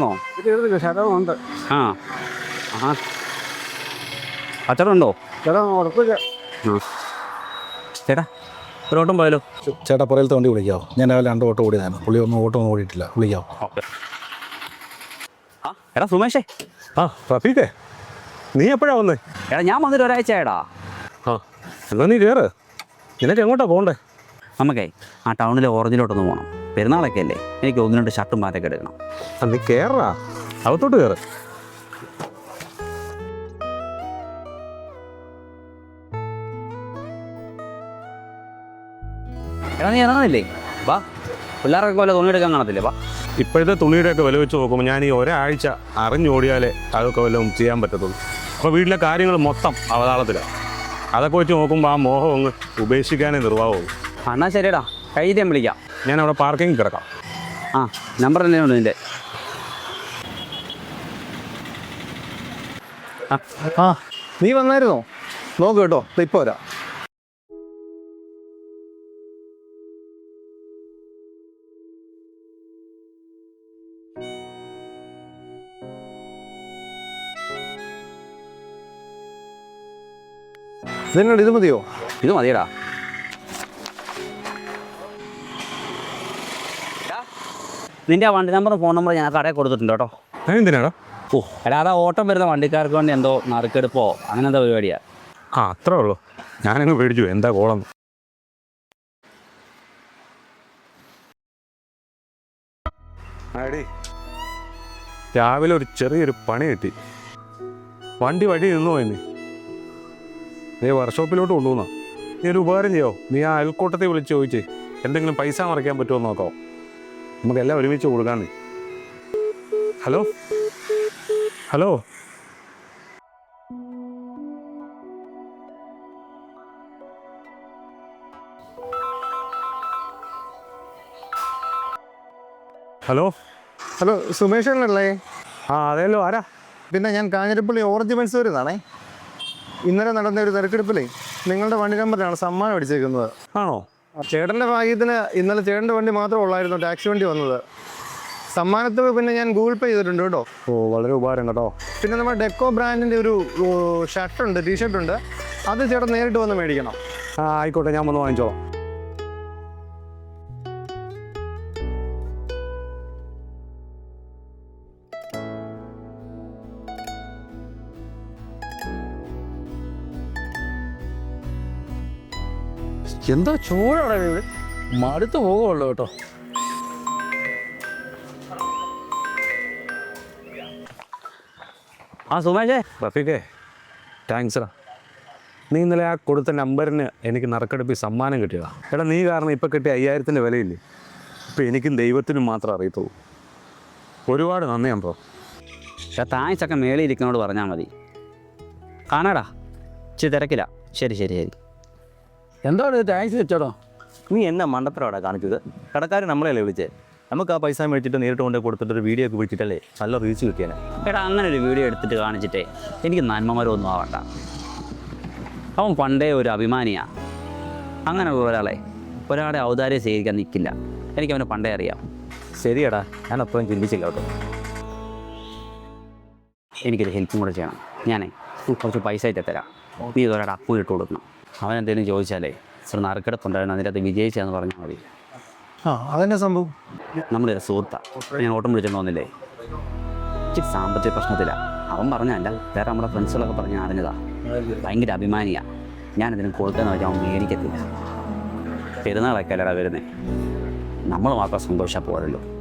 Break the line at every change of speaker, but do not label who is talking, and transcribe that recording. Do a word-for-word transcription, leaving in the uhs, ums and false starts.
തീർന്നോ?
തീർന്നില്ല, ശരമുണ്ട്.
ആ ആ അച്ചടുണ്ടോ?
ചേട്ടാ ഉറപ്പില്ല.
ചേട്ടാ ഒരു ഓട്ടം പോയാലോ?
ചേട്ടാ പുറയിലത്തെ വണ്ടി വിളിക്കാവോ? ഞാൻ രാവിലെ രണ്ട് ഓട്ടോ ഓടിയതാണ്. പുള്ളി ഒന്നും ഓട്ടോ ഒന്നും ഓടിയിട്ടില്ല. വിളിക്കാവോ?
ആ എടാ സുമേഷേ.
ആ റഫീഖേ, നീ എപ്പോഴാ വന്നേ?
എടാ ഞാൻ വന്നിട്ട് ഒരാഴ്ച ആയടാ.
ആ എന്നാൽ നീ കയറ്. നിനക്ക് എങ്ങോട്ടാ പോകണ്ടേ?
നമുക്കേ ആ ടൗണിലെ ഓറഞ്ചിലോട്ടൊന്ന് പോകണം. പെരുന്നാളൊക്കെ അല്ലേ, എനിക്ക് ഒന്ന് രണ്ട് ഷർട്ടും പാറ്റൊക്കെ എടുക്കണം.
ആ നീ കയറാ, അകത്തോട്ട് കയറ്.
എടാ നീ ഇറങ്ങുന്നില്ലേ? വാ, പിള്ളേരൊക്കെ പോലെ തുണിയെടുക്കാൻ കാണത്തില്ലേ? വാ.
ഇപ്പോഴത്തെ തുണിയുടെയൊക്കെ വില വെച്ച് നോക്കുമ്പോൾ ഞാൻ ഈ ഒരാഴ്ച അറിഞ്ഞോടിയാലേ അതൊക്കെ വല്ലതും ചെയ്യാൻ പറ്റത്തുള്ളൂ. അപ്പോൾ വീട്ടിലെ കാര്യങ്ങൾ മൊത്തം അവതാളത്തിലാണ്. അതൊക്കെ വെച്ച് നോക്കുമ്പോൾ ആ മോഹം അങ്ങ് ഉപേക്ഷിക്കാനേ നിർവാഹമുള്ളൂ.
എന്നാൽ ശരിയടാ, കഴിഞ്ഞിട്ട് ഞാൻ വിളിക്കാം.
ഞാൻ അവിടെ പാർക്കിങ്ങിൽ കിടക്കാം.
ആ നമ്പർ തന്നെയുണ്ട് നിൻ്റെ.
ആ നീ വന്നായിരുന്നോ? നോക്ക് കേട്ടോ, ഇപ്പോൾ വരാം. ഇതിനോട് ഇത് മതിയോ?
ഇത് മതിയടാ. നിൻ്റെ ആ വണ്ടി നമ്പറും ഫോൺ നമ്പറും ഞാൻ കടയിൽ കൊടുത്തിട്ടുണ്ട് കേട്ടോ.
എന്തിനാടാ?
ഓ എടാ, അതാ ഓട്ടം വരുന്ന വണ്ടിക്കാർക്ക് വേണ്ടി എന്തോ നറുക്കെടുപ്പോ അങ്ങനെ എന്താ പരിപാടിയാ.
ആ അത്രേ ഉള്ളൂ. ഞാനങ്ങ് പേടിച്ചു എന്താ കോളം. ആടി രാവിലെ ഒരു ചെറിയൊരു പണി കിട്ടി. വണ്ടി വഴി നിന്നു പോയിന്ന്. നീ വർക്ക്ഷോപ്പിലോട്ട് കൊണ്ടുപോകുന്ന. നീ ഒരു ഉപകാരം ചെയ്യോ? നീ ആ അയൽക്കൂട്ടത്തെ വിളിച്ച് ചോദിച്ചേ എന്തെങ്കിലും പൈസ മറിക്കാൻ പറ്റുമോ എന്ന് നോക്കാമോ? നമുക്കെല്ലാം ഒരുമിച്ച് കൊടുക്കാന്നേ. ഹലോ ഹലോ ഹലോ
ഹലോ സുമേഷനല്ലേ?
ആ അതേല്ലോ, ആരാ?
പിന്നെ ഞാൻ കാഞ്ഞിരപ്പള്ളി ഓറഞ്ച് മത്സൂരിൽ നിന്നാണേ. ഇന്നലെ നടന്ന ഒരു തിരക്കെടുപ്പിലേ നിങ്ങളുടെ വണ്ടി നമ്പറിലാണ് സമ്മാനം അടിച്ചേക്കുന്നത്.
ആണോ?
ചേട്ടൻ്റെ ഭാഗ്യത്തിന് ഇന്നലെ ചേട്ടൻ്റെ വണ്ടി മാത്രമേ ഉള്ളായിരുന്നു ടാക്സി വണ്ടി വന്നത്. സമ്മാനത്തുക പിന്നെ ഞാൻ ഗൂഗിൾ പേ ചെയ്തിട്ടുണ്ട് കേട്ടോ.
ഓ വളരെ ഉപകാരം കേട്ടോ.
പിന്നെ നമ്മുടെ ഡെക്കോ ബ്രാൻഡിൻ്റെ ഒരു ഷർട്ടുണ്ട്, ടീഷർട്ടുണ്ട്. അത് ചേട്ടൻ നേരിട്ട് വന്ന് മേടിക്കണം.
ആ ആയിക്കോട്ടെ, ഞാൻ വന്ന് വാങ്ങിച്ചോളാം.
എന്താ ചൂടാണ് ഇത്? മടുത്ത് പോകുള്ളൂ കേട്ടോ.
ആ സുമേഷേ.
റഫീഖേ താങ്ക്സ്ടാ. നീ ഇന്നലെ ആ കൊടുത്ത നമ്പറിന് എനിക്ക് നറുക്കെടുപ്പിൽ സമ്മാനം കിട്ടിയതാ. എടാ നീ കാരണം ഇപ്പം കിട്ടിയ അയ്യായിരത്തിൻ്റെ വിലയില്ലേ, ഇപ്പം എനിക്കും ദൈവത്തിനും മാത്രം അറിയത്തുള്ളൂ. ഒരുപാട് നന്ദി അമ്പോ.
പക്ഷേ താങ്ക്സ് ഒക്കെ മേളിൽ ഇരിക്കുന്നോട് പറഞ്ഞാൽ മതി. കാണാടാ, ഇച്ചിരി തിരക്കില്ല. ശരി ശരി ശരി.
എന്താണ് താങ്ക്സ് വെച്ചോടോ?
നീ എന്നാ മണ്ടത്തരവാടാ കാണിച്ചത്? കടക്കാർ നമ്മളെയല്ലേ വിളിച്ചേ? നമുക്ക് ആ പൈസ മേടിച്ചിട്ട് നേരിട്ട് കൊണ്ട് കൊടുത്തിട്ട് ഒരു വീഡിയോ ഒക്കെ വിളിച്ചിട്ടല്ലേ നല്ല റീച്ച് കിട്ടിയാനെ.
എടാ അങ്ങനെ ഒരു വീഡിയോ എടുത്തിട്ട് കാണിച്ചിട്ടേ എനിക്ക് നന്മമരമൊന്നും ആവണ്ട. അവൻ പണ്ടേ ഒരു അഭിമാനിയാണ്. അങ്ങനെ ഒരാളെ ഒരാളെ ഔദാര്യം സ്വീകരിക്കാൻ നിൽക്കില്ല. എനിക്കവനെ പണ്ടേ അറിയാം.
ശരിയടാ, ഞാൻ അത്രയും ചിന്തിച്ചില്ല കേട്ടോ.
എനിക്കൊരു ഹെൽപ്പും കൂടെ ചെയ്യണം. ഞാനേ കുറച്ച് പൈസ ആയിട്ട് തരാം. നീ ഇതൊരാടെ അപ്പു ഇട്ട് കൊടുക്കണം. അവൻ എന്തെങ്കിലും ചോദിച്ചാലേ സാർ നറുക്കെടുപ്പുണ്ടായിരുന്നു, അതിൻ്റെ അകത്ത് വിജയിച്ചതെന്ന് പറഞ്ഞാൽ മതി.
ആ അതെന്നെ സംഭവം.
നമ്മുടെ സുഹൃത്താണ്. ഞാൻ ഓട്ടം വിളിച്ചെന്ന് തോന്നില്ലേ, ഇച്ചിരി സാമ്പത്തിക പ്രശ്നത്തിലാണ്. അവൻ പറഞ്ഞല്ല, വേറെ നമ്മുടെ ഫ്രണ്ട്സുകളൊക്കെ പറഞ്ഞ് അറിഞ്ഞതാ. ഭയങ്കര അഭിമാനിയാണ്. ഞാനതിന് കൊടുക്കാന്ന് വെച്ചാൽ അവൻ മേടിക്കത്തില്ല. പെരുന്നാളൊക്കെ അല്ലടാ വരുന്നേ, നമ്മൾ മാത്രം സന്തോഷം പോരല്ലോ.